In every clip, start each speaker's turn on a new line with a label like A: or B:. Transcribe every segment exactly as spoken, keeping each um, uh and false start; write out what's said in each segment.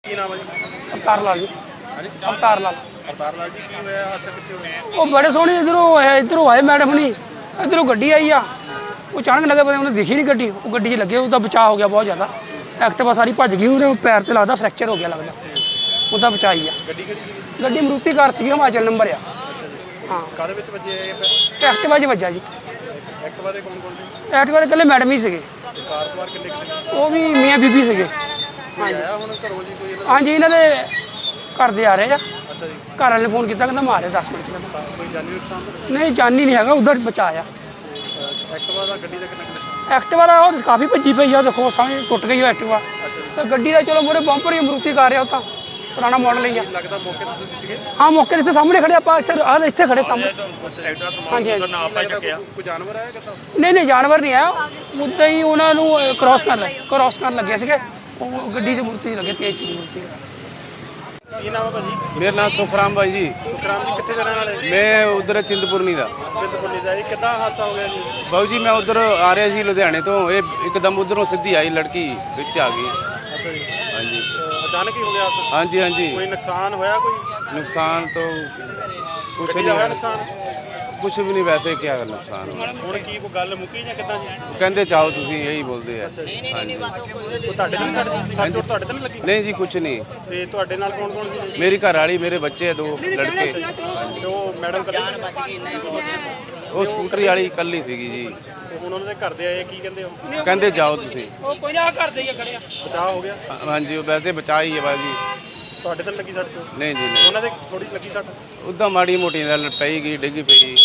A: ਕੀ ਨਾਮ ਹੈ ਜੀ?
B: ਅਵਤਾਰ ਲਾਲ ਜੀ।
A: ਹਾਂਜੀ
B: ਅਵਤਾਰ ਲਾਲ।
A: ਅਵਤਾਰ ਲਾਲ ਜੀ, ਕੀ ਹੋਇਆ? ਹਾਦਸਾ ਕਿੱਥੇ ਹੋਇਆ?
B: ਉਹ ਬੜੇ ਸੋਹਣੇ ਇਧਰੋਂ ਆਏ, ਇਧਰੋਂ ਆਏ ਮੈਡਮ ਨਹੀਂ, ਇਧਰੋਂ ਗੱਡੀ ਆਈ ਆ। ਉਹ ਅਚਾਨਕ ਲੱਗਾ ਪਤਾ ਉਹਨੇ ਦਿਖੀ ਨਹੀਂ ਗੱਡੀ, ਉਹ ਗੱਡੀ 'ਚ ਲੱਗੇ, ਉਹਦਾ ਬਚਾਅ ਹੋ ਗਿਆ ਬਹੁਤ ਜ਼ਿਆਦਾ। ਐਕਟਿਵਾ ਸਾਰੀ ਭੱਜ ਗਈ, ਉਹਦੇ ਪੈਰ ਤੇ ਲੱਗਦਾ ਫ੍ਰੈਕਚਰ ਹੋ ਗਿਆ ਲੱਗਦਾ, ਉਹਦਾ ਬਚਾਅ ਹੀ ਆ।
A: ਗੱਡੀ ਕਿਹੜੀ ਸੀ?
B: ਗੱਡੀ ਮਰੂਤੀ ਕਾਰ ਸੀ, ਹਿਮਾਚਲ ਨੰਬਰ ਆ। ਹਾਂ,
A: ਕਾਹਦੇ ਵਿੱਚ ਵੱਜੇ ਇਹ ਫਿਰ?
B: ਐਕਟਿਵਾ 'ਚ ਵੱਜਾ ਜੀ।
A: ਐਕਟਿਵਾ ਦੇ ਕੌਣ ਕੌਣ ਸੀ?
B: ਐਕਟਿਵਾ ਦੇ ਇਕੱਲੇ ਮੈਡਮ ਹੀ ਸੀਗੇ,
A: ਕਾਰ ਸਵਾਰ ਕਿੰਨੇ ਕਿੰਨੇ?
B: ਉਹ ਵੀ ਮੀਆਂ ਬੀਬੀ ਸੀਗੇ।
A: ਹਾਂਜੀ, ਆਇਆ ਹੁਣ ਘਰੋਂ ਜੀ ਕੋਈ ਇਹਦਾ?
B: ਹਾਂਜੀ, ਇਹਨਾਂ ਦੇ ਘਰ ਦੇ ਆ ਰਹੇ ਆ।
A: ਅੱਛਾ ਜੀ,
B: ਘਰ ਵਾਲੇ ਨੇ ਫੋਨ ਕੀਤਾ, ਕਹਿੰਦਾ ਮਾਰੇ ਦਸ ਮਿੰਟ 'ਚ ਕਹਿੰਦਾ।
A: ਕੋਈ ਜਾਨੀ ਨੁਕਸਾਨ ਤਾਂ
B: ਨਹੀਂ, ਜਾਨੀ ਨਹੀਂ ਹੈਗਾ, ਉਧਰ ਬਚਾਇਆ।
A: ਨਹੀਂ? ਐਕਟਿਵਾ ਦਾ ਗੱਡੀ ਦਾ ਕਿੰਨਾ ਕਿੰਨਾ?
B: ਐਕਟਿਵਾ ਦਾ ਉਹ ਕਾਫੀ ਭੱਜੀ ਪਈ ਆ, ਦੇਖੋ ਸਾਹਮਣੇ ਟੁੱਟ ਗਈ ਉਹ ਐਕਟਿਵਾ। ਤੇ ਗੱਡੀ ਦਾ ਚਲੋ ਮੂਹਰੇ ਬੰਪਰ ਹੀ ਮਰੂਤੀ ਕਾਰ ਆ, ਉਹ ਤਾਂ ਪੁਰਾਣਾ ਮਾਡਲ ਹੀ ਆ।
A: ਲੱਗਦਾ ਮੌਕੇ ਤੇ ਤੁਸੀਂ ਸੀਗੇ?
B: ਹਾਂ, ਮੌਕੇ 'ਤੇ ਇੱਥੇ ਸਾਹਮਣੇ ਖੜੇ ਆਪਾਂ, ਇੱਥੇ ਆਹ ਇੱਥੇ ਖੜੇ ਸਾਹਮਣੇ।
A: ਐਕਟਿਵਾ
B: ਹਾਂਜੀ ਹਾਂਜੀ।
A: ਨਾ ਆਪਾਂ ਚੱਕਿਆ, ਕੋਈ ਜਾਨਵਰ ਆਇਆ ਕਿੱਦਾਂ?
B: ਨਹੀਂ ਨਹੀਂ, ਜਾਨਵਰ ਨਹੀਂ ਆਇਆ, ਉੱਦਾਂ ਹੀ ਉਹਨਾਂ ਨੂੰ ਕ੍ਰਾਸ ਕਰਨ ਲੱਗੇ ਕ੍ਰਾਸ ਕਰਨ ਲੱਗੇ ਸੀਗੇ, ਉਹ ਗੱਡੀ 'ਚ ਮੂਰਤੀ ਲੱਗੇ, ਤੇਜ਼ ਸੀ ਮੂਰਤੀ।
A: ਕੀ ਨਾਮ ਹੈ ਭਾਜੀ?
C: ਮੇਰਾ ਨਾਮ ਸੁਖਰਾਮ ਬਾਈ ਜੀ।
A: ਸੁਖਰਾਮ ਜੀ, ਕਿੱਥੇ ਜਾਣ ਵਾਲੇ?
C: ਮੈਂ ਉਧਰ ਚਿੰਤਪੁਰਨੀ ਦਾ।
A: ਚਿੰਤਪੁਰਨੀ ਦਾ। ਇਹ ਕਿੱਦਾਂ ਹਾਦਸਾ ਹੋ ਗਿਆ ਜੀ?
C: ਬਾਊ ਜੀ, ਮੈਂ ਉਧਰ ਆ ਰਿਹਾ ਸੀ ਲੁਧਿਆਣੇ ਤੋਂ, ਇਹ ਇੱਕਦਮ ਉਧਰੋਂ ਸਿੱਧੀ ਆਈ ਲੜਕੀ, ਵਿੱਚ ਆ ਗਈ।
A: ਅੱਛਾ ਜੀ,
C: ਹਾਂਜੀ
A: ਅ, ਅਚਾਨਕ ਹੀ ਹੋ ਗਿਆ ਹਾਦਸਾ?
C: ਹਾਂਜੀ ਹਾਂਜੀ।
A: ਕੋਈ ਨੁਕਸਾਨ ਹੋਇਆ? ਕੋਈ
C: ਨੁਕਸਾਨ ਤਾਂ ਕੁਛ
A: ਗੱਡੀ
C: ਨਹੀਂ
A: ਦਾ ਹੋਇਆ
C: ਹੋਇਆ,
A: ਨੁਕਸਾਨ?
C: ਕੁਛ ਵੀ ਨਹੀਂ, ਵੈਸੇ ਕੀ ਕਰ ਨੁਕਸਾਨ ਹੋਇਆ।
A: ਹੁਣ ਕੀ ਕੋਈ ਗੱਲ ਮੁੱਕੀ ਜਾਂ ਕਿੱਦਾਂ ਜੀ?
C: ਉਹ ਕਹਿੰਦੇ ਚਾਹੋ ਤੁਸੀਂ, ਇਹੀ ਬੋਲਦੇ ਆ। ਹਾਂਜੀ।
A: ਉਹ ਤੁਹਾਡੇ ਤੇ ਨਹੀਂ ਲੱਗੀ? ਸੱਟ ਚੋਟ ਤੁਹਾਡੇ ਤੇ ਨਹੀਂ ਲੱਗੀ?
C: ਨਹੀਂ ਜੀ, ਕੁਛ ਨਹੀਂ।
A: ਤੇ ਤੁਹਾਡੇ ਨਾਲ ਕੌਣ ਕੌਣ ਸੀ?
C: ਮੇਰੀ ਘਰ ਵਾਲੀ, ਮੇਰੇ ਬੱਚੇ ਦੋ ਲੜਕੇ।
A: ਤੇ ਉਹ ਮੈਡਮ ਕੱਲੀ?
C: ਉਹ ਸਕੂਟਰੀ ਵਾਲੀ ਇਕੱਲੀ ਸੀਗੀ ਜੀ।
A: ਤੇ ਹੁਣ ਉਹਨਾਂ ਦੇ ਘਰ ਦੇ ਆਏ, ਕੀ ਕਹਿੰਦੇ ਉਹ?
C: ਕਹਿੰਦੇ ਜਾਓ ਤੁਸੀਂ।
B: ਉਹ ਕੋਈ ਨਾ ਕਰਦੇ ਹੀ ਖੜਿਆ।
A: ਬਚਾਅ ਹੋ ਗਿਆ?
C: ਹਾਂ- ਹਾਂਜੀ, ਉਹ ਵੈਸੇ ਬਚਾ ਹੀ ਹੈ ਬਾਜੀ।
A: ਤੁਹਾਡੇ ਤੇ ਨੀ ਲੱਗੀ ਸੱਟ ਚੋਟ?
C: ਨਹੀਂ ਜੀ ਨਹੀਂ,
A: ਉਹਨਾਂ ਦੇ ਥੋੜੀ ਲੱਗੀ ਸੱਟ?
C: ਉੱਦਾਂ ਮਾੜੀ ਮੋਟੀ ਨਾਲ ਪਈ ਗਈ, ਡਿੱਗੀ ਪਈ।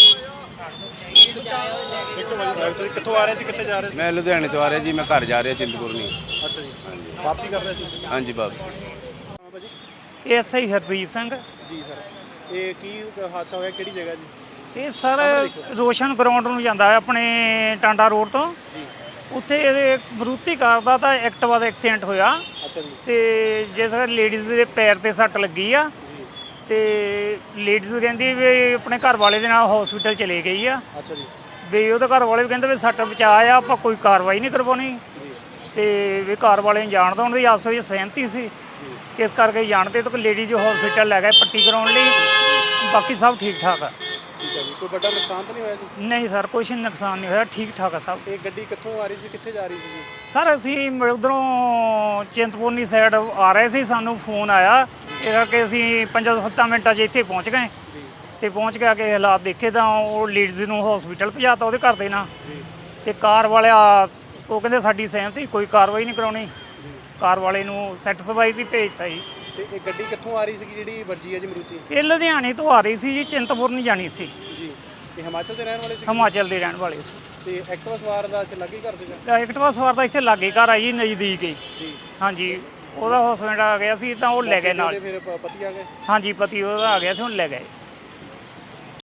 A: ਇੱਕ ਵਜੇ ਤੁਸੀਂ ਕਿੱਥੋਂ ਆ ਰਹੇ ਸੀ, ਕਿੱਥੇ ਜਾ ਰਹੇ ਸੀ?
C: ਮੈਂ ਲੁਧਿਆਣੇ ਤੋਂ ਆ ਰਿਹਾ ਜੀ, ਮੈਂ ਘਰ ਜਾ ਰਿਹਾ ਚਿੰਤਪੁਰਨੀ।
A: ਅੱਛਾ ਜੀ, ਵਾਪਸੀ ਕਰ ਰਹੇ ਸੀ?
C: ਹਾਂਜੀ ਬਾਬੂ।
A: ਹਾਂ ਭਾਜੀ।
D: S I Hardeep Singh.
A: ਜੀ ਸਰ, ਇਹ ਕੀ ਹਾਦਸਾ ਹੋਇਆ, ਕਿਹੜੀ ਜਗ੍ਹਾ ਜੀ?
D: ਇਹ ਸਰ ਰੋਸ਼ਨ ਗਰਾਊਂਡ ਨੂੰ ਜਾਂਦਾ ਹੈ ਆਪਣੇ ਟਾਂਡਾ ਰੋਡ ਤੋਂ।
A: ਜੀ।
D: ਉੱਥੇ ਇਹ ਮਰੂਤੀ ਕਾਰ ਦਾ ਤਾਂ ਐਕਟਿਵਾ ਦਾ ਐਕਸੀਡੈਂਟ ਹੋਇਆ
A: ਅੱਛਾ ਜੀ।
D: ਤੇ ਜਿਸ ਲੇਡੀਜ਼ ਦੇ ਪੈਰ ਤੇ ਸੱਟ ਲੱਗੀ ਆ
A: ਜੀ।
D: ਤੇ ਲੇਡੀਜ਼ ਕਹਿੰਦੀ ਵੀ ਆਪਣੇ ਘਰ ਵਾਲੇ ਦੇ ਨਾਲ ਹਸਪੀਟਲ ਚਲੇ ਗਈ ਆ।
A: ਅੱਛਾ ਜੀ।
D: ਵੀ ਉਹਦੇ ਘਰ ਵਾਲੇ ਵੀ ਕਹਿੰਦੇ ਵੀ ਸੱਟ ਬਚਾ ਆ, ਆਪਾਂ ਕੋਈ ਕਾਰਵਾਈ ਨਹੀਂ ਕਰਵਾਉਣੀ।
A: ਜੀ।
D: ਤੇ ਵੀ ਘਰ ਵਾਲੇ ਨੂੰ ਜਾਣ ਦਿਉਣ ਦੀ ਆਪਸ ਵਿੱਚ ਸਹਿਮਤੀ ਸੀ, ਇਸ ਕਰਕੇ ਜਾਣਦੇ ਤਾਂ ਲੇਡੀਜ਼ ਹਸਪੀਟਲ ਲੈ ਗਏ ਪੱਟੀ ਕਰਾਉਣ ਲਈ। ਬਾਕੀ ਸਭ ਠੀਕ ਠਾਕ ਆ।
A: ਠੀਕ ਹੈ ਜੀ, ਕੋਈ ਵੱਡਾ ਨੁਕਸਾਨ ਤਾਂ ਨਹੀਂ ਹੋਇਆ ਜੀ?
D: ਨਹੀਂ ਸਰ, ਕੁਛ ਨੁਕਸਾਨ ਨਹੀਂ ਹੋਇਆ, ਠੀਕ ਠਾਕ ਆ ਸਭ।
A: ਇਹ ਗੱਡੀ ਕਿੱਥੋਂ ਆ ਰਹੀ ਸੀ, ਕਿੱਥੇ ਜਾ ਰਹੀ ਸੀ ਜੀ?
D: ਸਰ ਅਸੀਂ ਉਧਰੋਂ ਚਿੰਤਪੁਰਨੀ ਸਾਈਡ ਆ ਰਹੇ ਸੀ, ਸਾਨੂੰ ਫੋਨ ਆਇਆ, ਇਹ ਕਰਕੇ ਅਸੀਂ ਪੰਜਾਂ ਸੱਤਾਂ ਮਿੰਟਾਂ 'ਚ ਇੱਥੇ ਪਹੁੰਚ ਗਏ।
A: ਜੀ।
D: ਤੇ ਪਹੁੰਚ ਕੇ ਆ ਕੇ ਹਾਲਾਤ ਦੇਖੇ ਤਾਂ ਉਹ ਲੇਡੀਜ਼ ਨੂੰ ਹਸਪੀਟਲ ਪਹੁੰਚਾਤਾ ਉਹਦੇ ਘਰ ਦੇ ਨਾਲ।
A: ਜੀ।
D: ਤੇ ਕਾਰ ਵਾਲਿਆ ਉਹ ਕਹਿੰਦੇ ਸਾਡੀ ਸਹਿਮਤੀ, ਕੋਈ ਕਾਰਵਾਈ ਨਹੀਂ ਕਰਾਉਣੀ। ਕਾਰ ਵਾਲੇ ਨੂੰ ਸੈਟੀਸਫਾਈ ਸੀ, ਭੇਜਤਾ ਜੀ।
A: ਤੇ ਇਹ ਗੱਡੀ ਕਿੱਥੋਂ ਆ ਰਹੀ ਸੀ ਜਿਹੜੀ ਵੱਜੀ ਹੈ ਜੀ ਮਰੂਤੀ?
D: ਇਹ ਲੁਧਿਆਣੇ ਤੋਂ ਆ ਰਹੀ ਸੀ ਜੀ, ਚਿੰਤਪੁਰਨੀ ਜਾਣੀ ਸੀ।
A: ਜੀ। ਇਹ ਹਿਮਾਚਲ ਦੇ ਰਹਿਣ ਵਾਲੇ ਸੀ?
D: ਹਿਮਾਚਲ ਦੇ ਰਹਿਣ ਵਾਲੇ ਸੀ।
A: ਤੇ ਐਕਟਿਵਾ ਸਵਾਰ ਦਾ ਇੱਥੇ ਲੱਗੀ ਘਰ ਸੀਗਾ?
D: ਐਕਟਿਵਾ ਸਵਾਰ ਦਾ ਇੱਥੇ ਲਾਗੇ ਘਰ ਆ ਜੀ, ਨਜ਼ਦੀਕ ਹੀ।
A: ਜੀ।
D: ਹਾਂਜੀ, ਉਹਦਾ ਹਸਬੈਂਡ ਆ ਗਿਆ ਸੀ ਤਾਂ ਉਹ ਲੈ ਗਏ ਨਾਲ।
A: ਫਿਰ ਪ- ਪਤੀ ਆ ਗਏ?
D: ਹਾਂਜੀ, ਪਤੀ ਉਹਦਾ ਆ ਗਿਆ ਸੀ, ਹੁਣ ਲੈ ਗਏ।